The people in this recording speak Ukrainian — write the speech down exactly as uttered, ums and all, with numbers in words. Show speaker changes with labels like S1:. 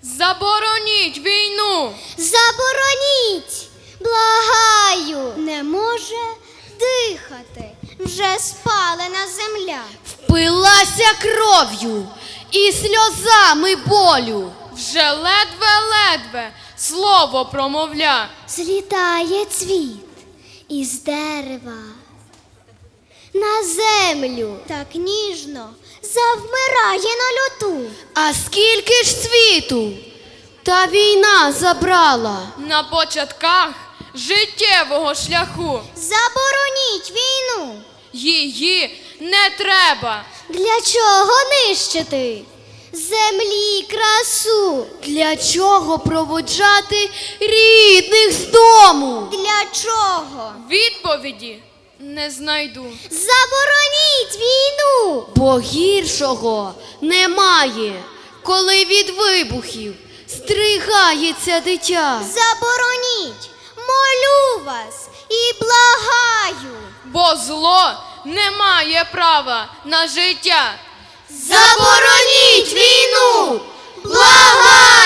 S1: Забороніть війну!
S2: Забороніть! Благаю! Не може дихати. Вже спалена земля.
S3: Впилася кров'ю і сльозами болю.
S1: Вже ледве-ледве слово промовля.
S2: Злітає цвіт із дерева на землю. Так ніжно завмирає на льоту.
S3: А скільки ж світу та війна забрала?
S1: На початках життєвого шляху
S2: Забороніть війну.
S1: її не треба.
S2: Для чого нищити землі красу?
S3: Для чого проводжати рідних з дому?
S2: Для чого?
S1: Відповіді не знайду.
S2: Забороніть війну.
S3: Бо гіршого немає, коли від вибухів стригається дитя.
S2: Забороніть, молю вас і благаю.
S1: Бо зло не має права на життя.
S3: Забороніть війну! Благаю!